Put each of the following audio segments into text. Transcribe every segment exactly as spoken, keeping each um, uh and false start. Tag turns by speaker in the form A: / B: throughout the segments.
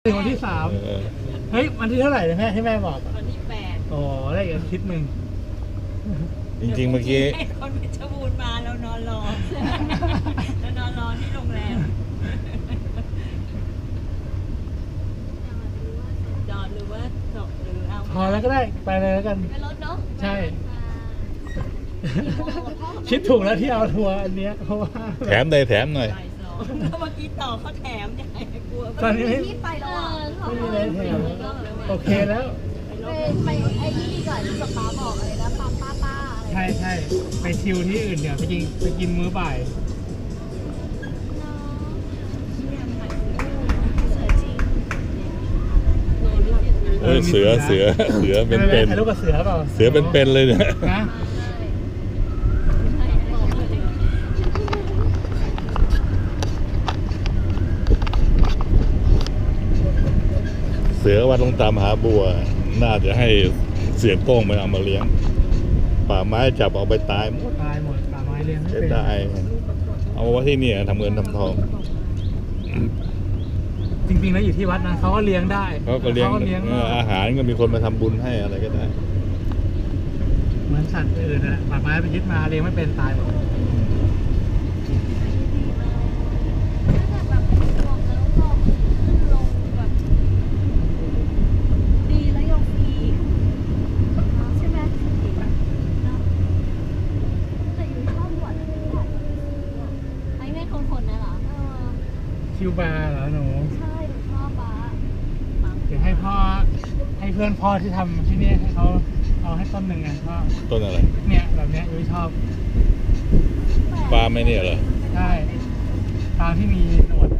A: ถึงวันที่สามเฮ้ยวันที่เท่าไหร่แม่ให้แม่บอก
B: วันที่แปด
A: อ๋อได้อีกอาทิตย์หนึ่ง
C: จริงๆเมื่อกี้
B: คนเพชรบูรณ์มาแล้วนอนรอแล้วนอนรอที่โรงแรมจอดหรือว่าจบหรือเอา
A: พอแล้วก็ได้ไปเลยแล้วกัน
B: ไปรถเนาะ
A: ใช่คิดถูกแล้วที่เอาทัวร์อันเนี้ยเพราะว่า
C: แถมได้แถมหน่อย
B: เมื่อกี้ต่อเขาแถมใหญ่กลัว
A: ตอนนี้
B: ที่ไปแล้วอ่ะ
A: ไม่มีอะไรแถมโอเคแล้ว
B: ไปไอ้ที่ดีก่อนที่ป๊าบอกอะไรนะป้าป้าป้า
A: ใช่ใช่ไปชิลที่อื่นเดี๋ยวไปกินไปกินมื้อบ่าย
C: เออเสือเสือเสือเป็นเป็น
A: ถ่ายรูปกับเสือเปล่า
C: เสือเป็นเป็นเลยเนี่ยนะเสือว่าต้องตามหาบัวน่าจะให้เสียงโป้งไปเอามาเลี้ยงป่าไม้จับเอาไปตายหมด
A: ตายหมดป่าไม้เลี้ยงไม่
C: เป็นได้เอาไว้ที่นี่ทำเงินทำทอง
A: จริงๆแล้วอยู่ที่วัดนะเขาก็เลี้ยงได้
C: เขาก็เลี้ยงอาหารก็มีคนมาทำบุญให้อะไรก็ได้
A: เหมือนสัตว์อื่นนะป่าไม้ไปยึดมาเลี้ยงไม่เป็นตายหมดคิวบาร์เหรอหนู
B: ใช่หนูชอบบาร์
A: เดี๋ยวให้พ่อให้เพื่อนพ่อที่ทำที่นี่ให้เขาเอาให้ต้นหนึ่งไงพ่อ
C: ต้นอะไร
A: เนี่ยแบบเนี้ยยุ้ยชอบ
C: ปลาไม่เนี่ยเหรอ
A: ใช่ปลาที่มีหนวด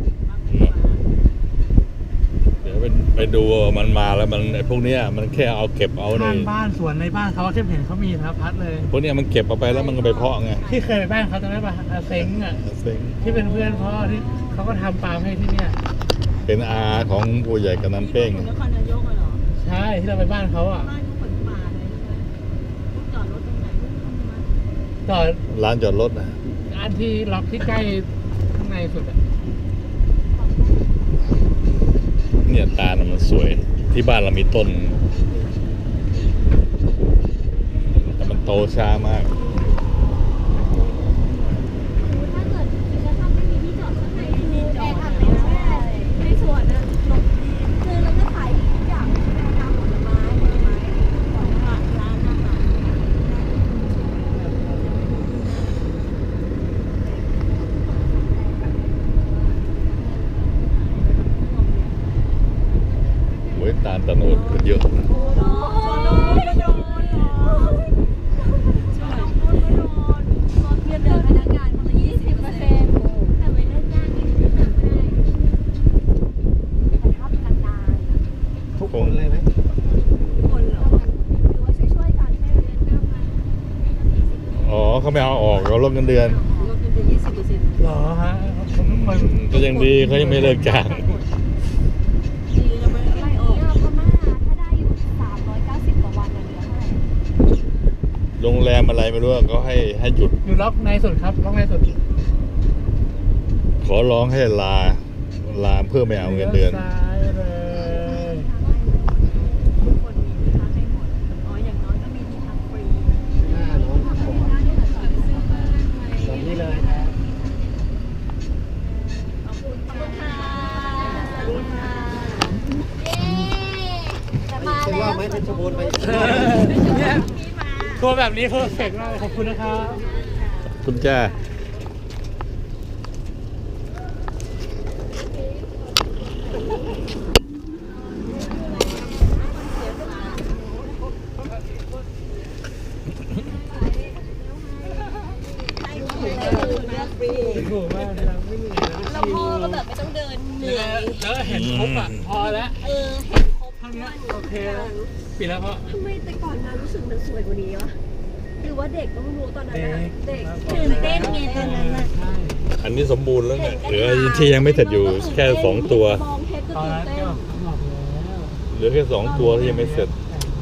C: เดี๋ยวไปไปดูมันมาแล้วมันไอ้พวกเนี้ยมันแค่เอาเก็บเอาใน
A: บ้านสวนในบ้านเขาเข้มเห็นเขามีสารพัดเลย
C: พวกเนี้ยมันเก็บเอาไปแล้วมันก็ไปเพาะไง
A: ที่เคยไปบ้านเขาตอนนั้นป่ะอาเซ็งอ่ะ
C: เซ็ง
A: ที่เป็นเพื่อนพ่อที่เขาก็ทำปลาให้ที่เนี่ย
C: เป็นอาของผู้ใหญ่กำนันเป้ง
B: นครนายกเหรอ
A: ใช่ที่เราไปบ้านเขาอ่ะ
B: บ้านเขาเหมือนป่าเลยใช่ไหมจอดรถตรงไหน
A: จอด
C: ร้านจอดรถนะ
A: อันที่ล็อกที่ใกล้ข้างในสุดอ่ะ
C: เนี่ยตาลมันสวยที่บ้านเรามีต้นแต่มันโตช้ามากตาลตะโนดเยอะนะ
A: ทุกคนเลยไหม
B: คนเหรอหรือว่าช่วยๆกันให้เดือนหน้ามา
C: อ๋อเขาไม่เอาออกเขาลดเงินเดือน
B: ลดเงินเดือนยี่สิบเปอร์เซ็นต์
A: หรอฮะ
C: ก็ยังดีเขายังไม่เลิกจ้างโรงแรมอะไรไม่รู้ก็ให้ให้หยุด
A: อยู่ล็อกในสุดครับล็อกในสุด
C: ขอร้องให้ลาลาเพื่อไม่เอาเงินเดือน
B: ทุกคนมีที่พักให้หมดอ๋ออย่างน้อยก็มีที่พักฟรี
A: อ่าน้องผมแบบนี้เลยนะ
B: ขอบคุณค่ะสวัสดีค่ะเย้จะมาแล้วว่าไม่เป็นชบูรณ์ไป
A: เนี่ยตัวแบบนี้เพอร์เฟกต์มากขอบคุณนะครับ
C: คุณจ้า
A: ถูกมากเลยไม่มี
B: แล้วพ่อก็แบบไม่ต้องเดินเหนื่อย
A: แล้วเห็นครบอ่ะพอแล้ว
B: เออเห็นครบ
A: ทั้งนี้โอเคปิดแล้วพ่อ
B: ทำไมแต่ก่อนนะรู้สึกมันสวยกว่านี้วะหรือว่าเด็กต้องรู้ตอนนั้นนะเด็กตื่นเต้นไงตอนนั้นนะ
C: อันนี้สมบูรณ์แล้วเนี่ยเหลือที่ยังไม่เสร็จอยู่แค่สองตัว
A: ตอนนั้นก็
C: เหลือแค่สองตัวที่ยังไม่เสร็จ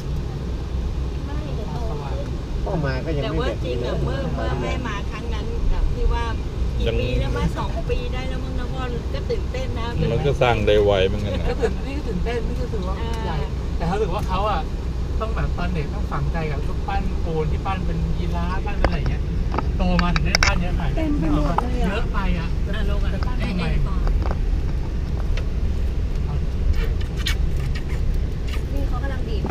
A: เข้ามาก็ยังไม่เสร็จ
B: แต่ว่าจริงอะเมื่อเมื่อแม่มาครั้งนั้นแบบที่ว่ากี่ปีแล้วมาสองปีได้แล้วมั้งนะพ่อก็ก็ตื่นเต้นนะ
C: มันก็สร้างได้ไวเหมือนกันนะ
A: ก็ตื่นนี่ก็ตื่นเต้นนี่ก็ถือว่าใหญ่แต่เขาถือว่าเขาอ่ะต้องแบบตอนเด็กต้องฝังใจกับรูปปั้นปูนที่ปั้นเป็นยีราฟปั้นเป็นอะไรอย่างเงี้ยโตมาถึงได้ปั้นเยอะใหม่เต็มไปหมดเลยเยอะไปอ่ะ
B: อ่ะลงอ่ะ
A: จะปั้น
B: ไอ้
A: ทำไม
B: ไอ้ก่อนนี่เขากำลังบีบ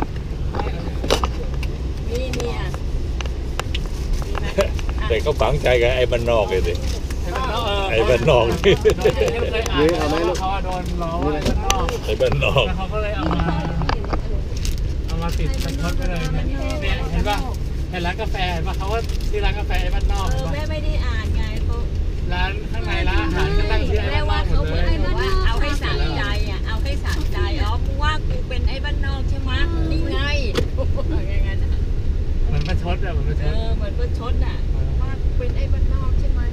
B: นี่นี่อ่ะดีไหมอ่ะ
C: แต่ก็ฝังใจกับไอ้บ้านนอกเลยสิ ไอ้
A: ไอ้
C: บ้านนอกนี่
A: เคยอ่านว่าเขาโดนล้อว่าไอ้บ้านนอก
C: ไอ้บ้านนอก
A: แล้วเขาก็เลยเอามาเอามาติดเป็นทดไปเลยเนี่ยเนี่ยเห็นป่ะเห็นร้านกาแฟเห็นป่ะเขาว่าชื่อร้านกาแฟไอ้บ้านนอก
B: เอ
A: เห็น
B: อ
A: ป่ะ
B: แม่ไม่ได้อ่านไงเขา
A: ร้านข้างในร้านอาหารก็ตั้งชื่อไอ้
B: แม่
A: บ้านน
B: ว่า
A: อกหม
B: เขา
A: ด
B: เห
A: เล
B: มือน
A: ย
B: ว่าเอาให้สะใจอ่ะเอาให้สะใจอ๋อกูว่ากูเป็นไอ้บ้านนอกใช่ไหมนี่ไงอย่างนั้น
A: เหมือนประชดอะเหมือนประช
B: เอ
A: ด
B: อเหมือนประชดอ่ะว่ากูเป็นไอ้บ้านนอกใช่ไหม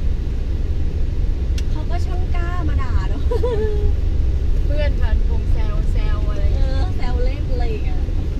D: เขาก็ช่างกล้ามาด่าเนาะ
B: เพื่อนกันคงแซวแซวอะไร
D: เออแซวเล่นอะไรอย่างเงี้ย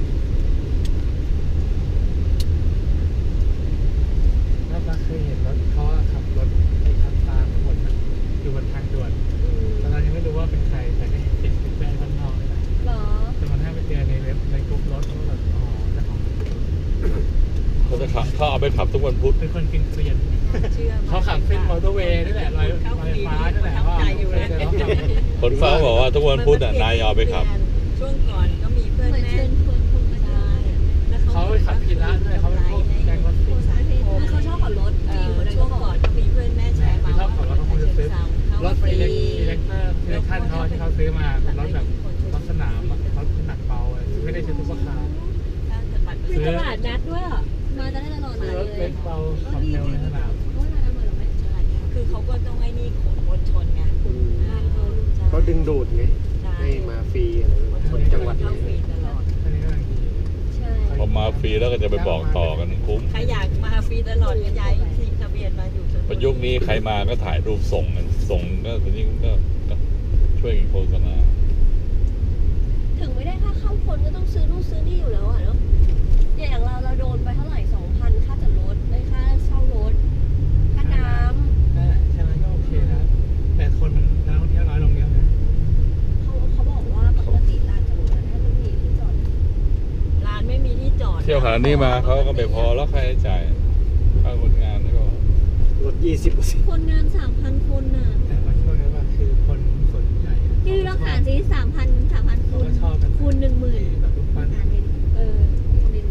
A: แล้วก็เคยเห็นรถเขาอะขับรถไปทางตามบนอะอยู่บนทางด่วนตอนนั้นยังไม่รู้ว่าเป็นใครแต่ก็เห็นติดเป็นไอ้บ้านนอกนี่แหละ
D: เหรอ
A: จนกระทั่งไปเจอในเว็บในกลุ่มรถเขาก็แบบอ๋อเจ้าของรถ
C: เขาจะขับเขาเอาไปขับทุกวันพุธ
A: เป็นคนกินเกลียน
B: เชื่อ
A: เขาขับเส้นมอเตอร์เวย์นี่แหละลอยลอยฟ้านี่แหละว่าเคยเจอเขาขับ
C: คนฟ้าบอกว่าทุกวันพุธน่ะนายเอาไปขับ
B: ช่วงก่อนก็มีเพื่อน
D: เหมือน
B: แม่
D: เชิญชวนคนมา
B: ใช่
D: ได้
B: แล้ว
A: เขาไปขับพีระด้วยเขาเป็นพวกแกงรถติด
D: สาเหตุคือเขาชอบขับรถ
B: เอ
D: ผู้หญิง
B: อ
D: คนนั้น
B: ช่
D: ก็
B: วง
D: บอก
B: ก่อนก็มีเพื่อนแม่แชร์มา
A: ที่ชอบขับรถเขาคงจะซื้อรถ
B: ฟ
A: ไฟ
B: รี
A: เล็กอิเล็กเตอร์อิเล็กทันเขาที่เขาซื้อมาเป็นรถแบบรถสนามอะรถหนักเบาอะไม่ได้ใช้ซุปเปอร์คาร์
D: มีตลาดนัดด้วยอ่ะมาจะได้ตลอด
A: ซื้อ
D: เล
A: รถเล็
D: ย
A: กเบาขับเร็วในสนาม
D: เพราะว่าร้านเหมือนเราไม่ใช่
B: คือเขาก็ต้องไอ้นี่ขนมวลชนไง
E: เขาดึงดูดไง ให้มาฟรีอะไรแบบคนจังหวัด
B: เข้าฟรี
E: นี้
B: ตลอด
A: อันนี้ก็กำลังดี
D: ใช่
C: พอมาฟรีแล้วก็จะไปบอกต่อกันคุ้ม
B: ใครอยากมาฟรีตลอดก็ย้ายทีทะเบียนมาอยู่ชลบุ
C: พอ
B: รี
C: ยุคนี้ใครมาก็ถ่ายรูปส่งกันส่งก็ตอนนี้ก็ก็ช่วยกันโฆษณา
D: ถึงไม่ได้ค่าเข้าคนก็ต้องซื้อนู่นซื้อนี่อยู่แล้วอ่ะเนาะเนี่ยอย่างเราเราโดนไปเท่าไหร่สองพันค่าจอดรถได้ค่าเช่ารถค่าน้
A: นั่นแหละใช่ไหมก็โอเคนะแต่คนมันนักท่องเที่ยวน้อยลงเยอะนะ
D: ำเขาเขาบอกว่าปกติลานจอดรถอะถ้ามันมีที่จอด
B: ร้านไม่มีที่จอด
C: เที่ยวขนาดนี้มาเขาก็ไม่พอแล้วใครจะจ่ายค่าคนงานนี่ก็
E: ลดยี่สิบเปอร์เซ็นต์
D: คนงานสามพันคนน่ะ
A: แต่ว่าช่วงนี้ว่าคือคนส่วนใหญ่
D: พี่ลองหารสิสามพันสามพัน
A: เขา
D: คูณ
A: ก็ชอบกัน
D: คูณหนึ่งหมื่น
A: แบบรูปปั้น
D: หารเลยเออคูณหนึ่ง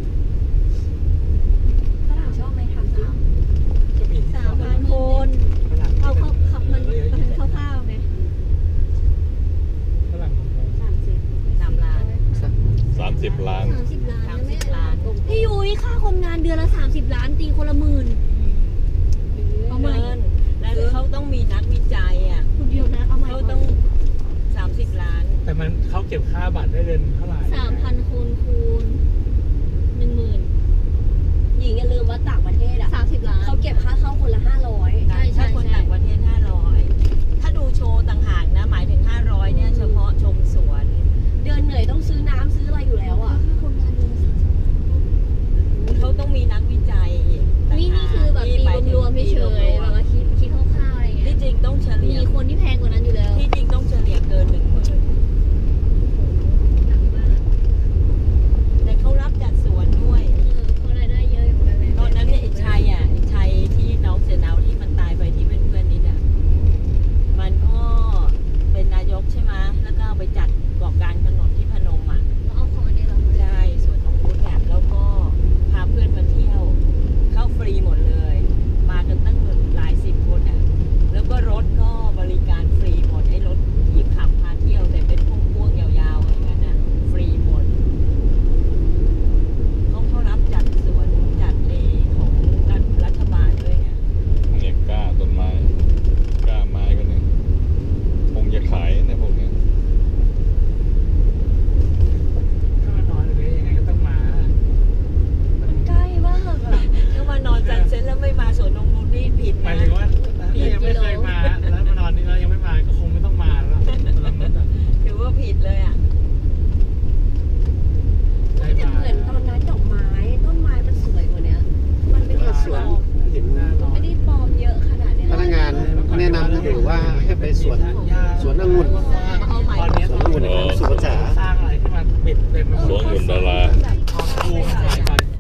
D: ฝรั่งชอบไหมทำสิ
A: ก็มีที่
D: สา
A: ช
D: ม
A: อบ
D: พันคน
A: ฝรั่ง
D: เอาเขาขับมัน
A: เยอะ
D: มัน
A: แยะ
D: คร่าวๆไง
A: ฝรั่งงง
D: สามสิบ
B: สามล้าน
C: สามสิบล้าน
D: สามสิบล้าน
B: สาม
D: นะ
B: สิ
D: แม่
B: บล้าน
D: พี่ยุ้ยค่าคนงานเดือนละสามสิบล้านตีคนละหมื่น
B: เอาเงินแล้วเขาต้องมีนักวิจัยอ่ะ
D: คุณเดียวนะเอาใหม่
B: เขาต้องสามสิบล้าน
A: แต่มันเขาเก็บค่าบัตรได้เดือนเท่าไหร่
D: สามพันคูณคูณหนึ่งหมื่นหญิงอย่าลืมว่าต่างประเทศอ่ะสามสิบล้านเขาเก็บค่าเข้าคนละห้าร้อย
B: ถ้าคนต่างประเทศห้าร้อยถ้าดูโชว์ต่างหากนะ หมายถึงห้าร้อยเนี่ยเฉพาะชมสวน
D: เดือนเหนื่อยต้องซื้อน้ำซื้ออะไรอยู่แล้วอ่ะค่าคนงานเดือนละสามสิบ
B: เขาต้องมีนักวิจัยต่าง
D: นี่
B: หาก
D: นี่คือแบบ
B: ที่
D: ตี
B: หมายถึง
D: รวมๆเฉยๆแบบว่าคิดคิดคร่าวๆอะไรเงี้
B: ที่
D: ย
B: จริงต้องเฉ
D: มี
B: ลี่ย
D: คนที่แพงกว่านั้นอยู่แล้ว
B: ที่จริงต้องเฉลี่ยเกินหนึ่งหมื่น
D: หนักมาก
B: แต่เขารับจัดสวนด้วย
D: เออคนรายได้เยอะอยู่แล้วแม่
B: ตอนนั้นเนี่ยไอ้ชัยอ่ะไอ้ชัยที่น้องเสนาวที่มันตายไปที่เป็นเพื่อนนิดอ่ะมันก็เป็นนายกใช่ไหมแล้วก็เอาไปจัด
A: ปิดเต็มไปหมด
C: สวนหุ่นดารา
D: แบบ